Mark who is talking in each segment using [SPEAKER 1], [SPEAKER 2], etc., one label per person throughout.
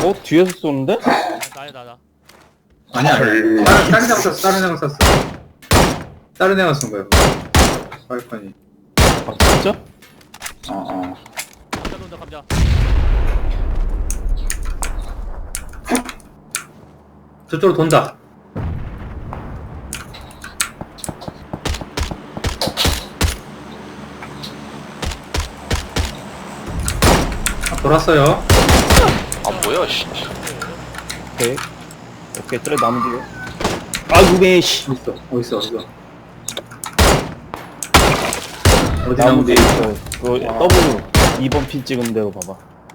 [SPEAKER 1] 뒤에서 쏘는데?
[SPEAKER 2] 나야.
[SPEAKER 3] 아니야. 다른 애가 쐈어. 다른 애가 쐈어. 다른 애가 쏜 거야. 발판이.
[SPEAKER 1] 아 진짜?
[SPEAKER 2] 감자 돈다 감자.
[SPEAKER 3] 저쪽으로 돈다. 돌았어요.
[SPEAKER 4] 아 뭐야 씨.
[SPEAKER 1] 오케이 저래 나무 뒤에. 아이고 매씨.
[SPEAKER 3] 어딨어. 어디
[SPEAKER 1] 나무
[SPEAKER 3] 나무
[SPEAKER 1] 뒤에
[SPEAKER 3] 뒤에
[SPEAKER 1] 있어. 그 W 2번 핀 찍은 대로 봐봐.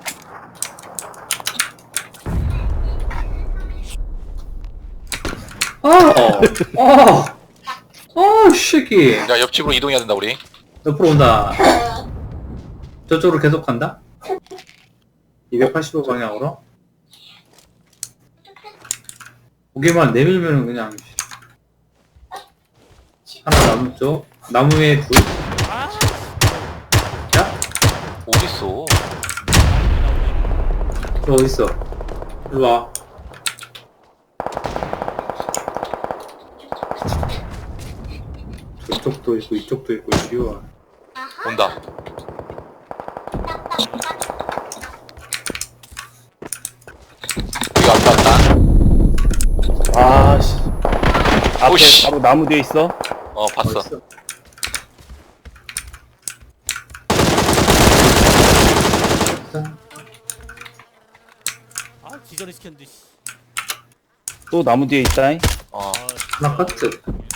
[SPEAKER 3] 새끼.
[SPEAKER 4] 야 옆집으로 이동해야 된다 우리.
[SPEAKER 3] 옆으로 온다. 저쪽으로 계속 간다. 285 방향으로. 고개만 내밀면은 그냥 하나 나무 쪽 나무에 둘.
[SPEAKER 2] 아!
[SPEAKER 3] 야,
[SPEAKER 4] 어딨어?
[SPEAKER 3] 너 어디 있어? 일로 와. 저쪽도 있고 이쪽도 있고 지우야.
[SPEAKER 4] 온다. 여기 왔다.
[SPEAKER 1] 아씨. 앞에
[SPEAKER 4] 오씨.
[SPEAKER 1] 바로 나무 뒤에 있어.
[SPEAKER 4] 봤어.
[SPEAKER 3] 어딨어?
[SPEAKER 2] 아 기절이 시켰는데 씨.
[SPEAKER 1] 또 나무 뒤에 있다잉.
[SPEAKER 4] 어.
[SPEAKER 2] 아,
[SPEAKER 3] 하나 카트.